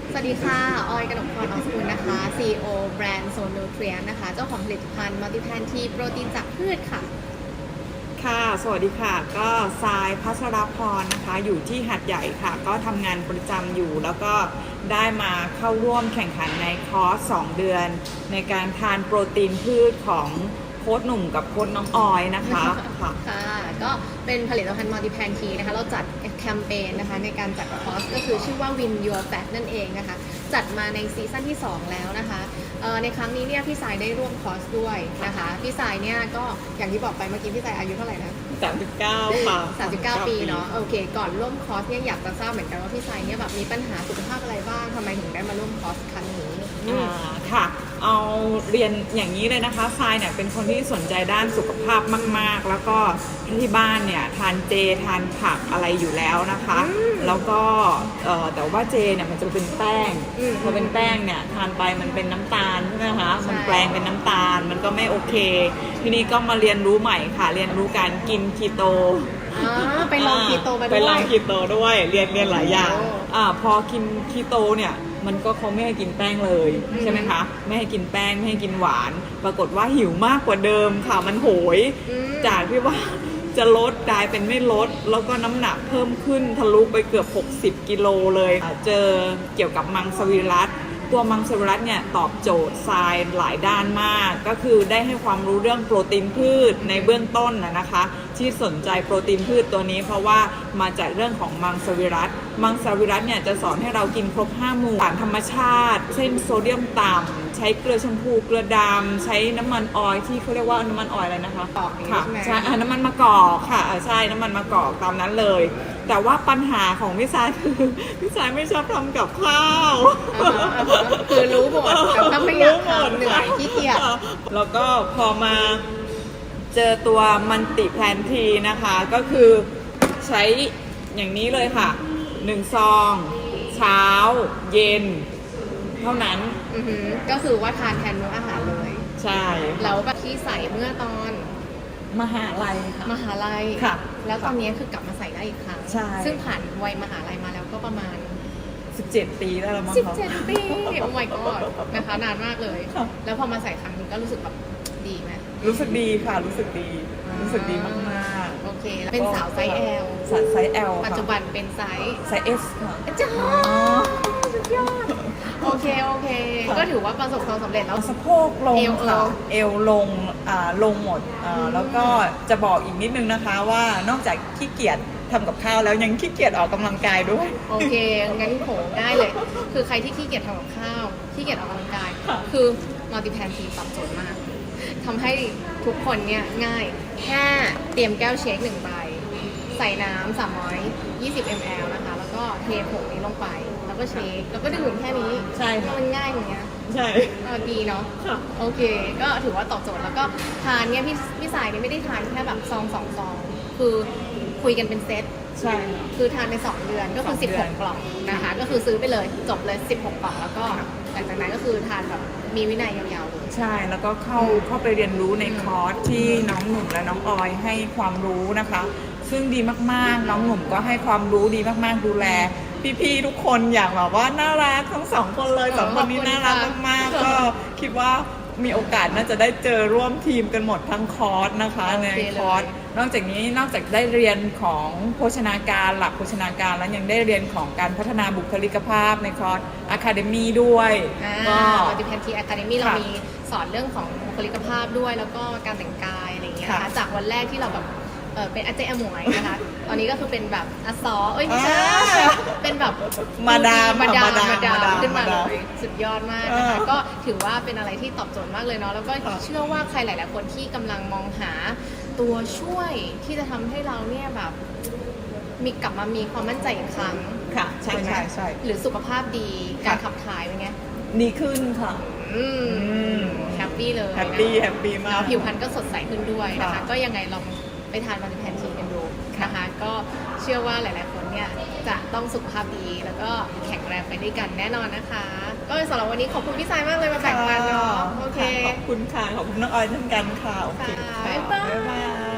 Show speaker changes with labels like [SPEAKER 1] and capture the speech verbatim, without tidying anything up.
[SPEAKER 1] สวัสดีค่ะ ออยกนกพร ออสกุลนะคะ ซี อี โอ แบรนด์โซนนูเทรียนนะคะ เจ้าของผลิตภัณฑ์มัลติแพนทีโปรตีนจากพืชค่ะ
[SPEAKER 2] ค่ะ สวัสดีค่ะ ก็ทรายพัชรพรนะคะ อยู่ที่หาดใหญ่ค่ะ ก็ทำงานประจำอยู่ แล้วก็ได้มาเข้าร่วมแข่งขันในคอร์สสองเดือน ในการทานโปรตีนพืชของโค้ชหนุ่มกับโค้ชน้องออยนะคะค่ะ
[SPEAKER 1] ค่ะ ก็เป็นผลิตภัณฑ์มัลติแพนทีนะคะ เราจัดแคมเปญนะคะในการจัดคอร์สก็คือชื่อว่า Win Your Fat นั่นเองนะคะ จัดมาในซีซั่นที่สองแล้วนะคะในครั้งนี้เนี่ยพี่สายได้ร่วมคอร์สด้วยนะคะพี่สายเนี่ยก็อย่างที่บอกไปเมื่อกี้พี่สายอายุเท่าไหร่นะ
[SPEAKER 2] สามสิบเก้าค่ะ
[SPEAKER 1] สามสิบเก้า ปีเนาะโอเคก่อนร่วมคอร์สเนี่ยอยากจะทราบเหมือนกันว่าพี่สายเนี่ยแบบมีปัญหาสุขภาพอะไรบ้างทำไมถึงได้มาร่วมคอร์สครั้งนี้
[SPEAKER 2] อ่าค่ะเอาเรียนอย่างนี้เลยนะคะทรายเนี่ยเป็นคนที่สนใจด้านสุขภาพมากๆแล้วก็ที่บ้านเนี่ยทานเจทานผักอะไรอยู่แล้วนะคะแล้วก็แต่ว่าเจเนี่ยมันจะเป็นแป้งพอเป็นแป้งเนี่ยทานไปมันเป็นน้ำตาลใช่ไหมคะมันแปลงเป็นน้ำตาลมันก็ไม่โอเคทีนี้ก็มาเรียนรู้ใหม่ค่ะเรียนรู้การกินคีโต
[SPEAKER 1] ไปลองคีโตมาด้วย
[SPEAKER 2] ไปลองคีโตด้วยเรียนเรียนหลายอย่างอ่าพอกินคีโตเนี่ยมันก็เขาไม่ให้กินแป้งเลยใช่ไหมคะไม่ให้กินแป้งไม่ให้กินหวานปรากฏว่าหิวมากกว่าเดิมค่ะมันโหยจากที่ว่าจะลดกลายเป็นไม่ลดแล้วก็น้ำหนักเพิ่มขึ้นทะลุไปเกือบหกสิบกิโลเลยเจอเกี่ยวกับมังสวิรัติตัวมังสวิรัติเนี่ยตอบโจทย์ทรายหลายด้านมากก็คือได้ให้ความรู้เรื่องโปรตีนพืชในเบื้องต้นนะคะที่สนใจโปรตีนพืชตัวนี้เพราะว่ามาจากเรื่องของมังสวิรัติมังสวิรัติเนี่ยจะสอนให้เรากินครบห้าหมู่สารธรรมชาติเช่นโซเดียมต่ำใช้เกลือชมพูเกลือดำใช้น้ำมันออยล์ที่เขาเรียกว่าน้ำมันออยล์อะไรนะคะค่ะใช่น้ำมันมะกอกค่ะใช่น้ำมันมะกอกตามนั้นเลยแต่ว่าปัญหาของพี่สายคือพี่สายไม่ชอบทำกับข้าว
[SPEAKER 1] คือรู้หมดแต่ถ้าไม่อยากทำเหนื่อยขี้เกียจ
[SPEAKER 2] แล้วก็พอมาเจอตัวมันติแพลนทีนะคะก็คือใช้อย่างนี้เลยค่ะหนึ่งซองเช้าเย็นเท่านั้น
[SPEAKER 1] ก็คือว่าทานแทนมื้ออาหารเลย
[SPEAKER 2] ใช่
[SPEAKER 1] แล้วแบบที่ใส่เมื่อตอน
[SPEAKER 2] มหาลัยค่ะ
[SPEAKER 1] มหาลัย
[SPEAKER 2] ค่ะ
[SPEAKER 1] แล้วตอนนี้คือกลับมาใส่ได้อีกครั้ง
[SPEAKER 2] ใช่
[SPEAKER 1] ซึ่งผ่านวัยมหาลัยมาแล้วก็ประมาณ
[SPEAKER 2] สิบเจ็ดปีแล้วมั้ง
[SPEAKER 1] สิบเจ็ดปีโอ้ my god นะคะนานมากเลยแล้วพอมาใส่ครั้งนี้ก็รู้สึกแบบดีไหม
[SPEAKER 2] รู้สึกดีค่ะรู้สึกดีรู้สึกดีมาก
[SPEAKER 1] ๆโอเคเป็นสาวไซส์ L
[SPEAKER 2] สาวไซส์ L
[SPEAKER 1] ปัจจุบันเป็นไซส์
[SPEAKER 2] ไซส์ S ค่ะ
[SPEAKER 1] จ้าสุดยอดโอเคโอเคก็ถือว่าประสบความสำเร็จแล้ว
[SPEAKER 2] สะโพกลงค่ะเอวลงอ่าลงหมดอ่าแล้วก็จะบอกอีกนิดนึงนะคะว่านอกจากขี้เกียจทำกับข้าวแล้วยังขี้เกียจออกกำลังกายด้วย
[SPEAKER 1] โอเคงั้นโหได้เลยคือใครที่ขี้เกียจทำกับข้าวขี้เกียจออกกำลังกายคือมัลติแพนทีตอบโจทย์มากทำให้ทุกคนเนี่ยง่ายแค่เตรียมแก้วเชคหนึ่งใบใส่น้ำสามร้อยยี่สิบมิลลิลิตร นะคะแล้วก็เทผงนี้ลงไปแล้วก็เชคแล้วก็ดื่มแค่นี้
[SPEAKER 2] ใช่
[SPEAKER 1] มันง่ายอย่างเงี้ย
[SPEAKER 2] ใช่
[SPEAKER 1] ดีเนาะโอเคก็ถือว่าตอบโจทย์แล้วก็ทานเนี่ยพี่พี่สายเนี่ยไม่ได้ทานแค่แบบซองสองซองคือคุยกันเป็นเซต
[SPEAKER 2] ใช่
[SPEAKER 1] คือทานในสองเดือนก็คือสิบหกกล่องนะคะก็คือซื้อไปเลยจบเลยสิบหกกล่องแล้วก็หลังจากนั้นก็คือทานแบบมีวินัยยาวๆเลย
[SPEAKER 2] ใช่แล้วก็เข้าเข้าไปเรียนรู้ในคอร์สที่น้องหนุ่มและน้องออยให้ความรู้นะคะซึ่งดีมากๆน้องหนุ่มก็ให้ความรู้ดีมากๆดูแลพี่ๆทุกคนอย่างแบบว่าน่ารักทั้งสองคนเลยสองคนนี้น่ารักมากๆก็คิดว่ามีโอกาสน่าจะได้เจอร่วมทีมกันหมดทั้งคอร์สนะคะในคอร์สนอกจากนี้นอกจากได้เรียนของโภชนาการหลักโภชนาการแล้วยังได้เรียนของการพัฒนาบุคลิกภาพในคอร์ส Academy ด้วย
[SPEAKER 1] ก็มัลติแพนที Academy เรามีสอนเรื่องของบุคลิกภาพด้วยแล้วก็การแต่งกายอะไรอย่างเงี้ยนะคะจากวันแรกที่เราแบบเป็นอาเจอหมวยนะคะตอนนี้ก็คือเป็นแบบอซอเอ้ยไม่ใช่เป็นแบบ
[SPEAKER 2] มาดาม
[SPEAKER 1] มาดามมาดามขึ้นมาเลยสุดยอดมากนะคะก็ถือว่าเป็นอะไรที่ตอบโจทย์มากเลยเนาะแล้วก็เชื่อว่าใครหลาย ๆคนที่กำลังมองหาตัวช่วยที่จะทำให้เราเนี่ยแบบมีกลับมามีความมั่นใจอีกครั้ง
[SPEAKER 2] ค่ะใช่ใช่ใช่
[SPEAKER 1] หรือสุขภาพดีการขับถ่ายเป็นไง
[SPEAKER 2] ดีขึ้นค่ะ
[SPEAKER 1] อืมแฮปปี้เลย
[SPEAKER 2] แฮปปี้แฮปปี้มาก
[SPEAKER 1] ผิวพรรณก็สดใสขึ้นด้วยนะคะก็ยังไงลองไปทานมัลติแพนทีกันดูนะคะก็เชื่อว่าหลายๆคนเนี่ยจะต้องสุขภาพดีแล้วก็แข็งแรงไปด้วยกันแน่นอนนะคะก็สำหรับวันนี้ขอบคุณพี่สายมากเลยมาแบ่งปันเนาะโอเค
[SPEAKER 2] ขอบคุณค่ะขอบคุณน้องออยเช่นกันค่ะโอเค
[SPEAKER 1] บ๊ายบาย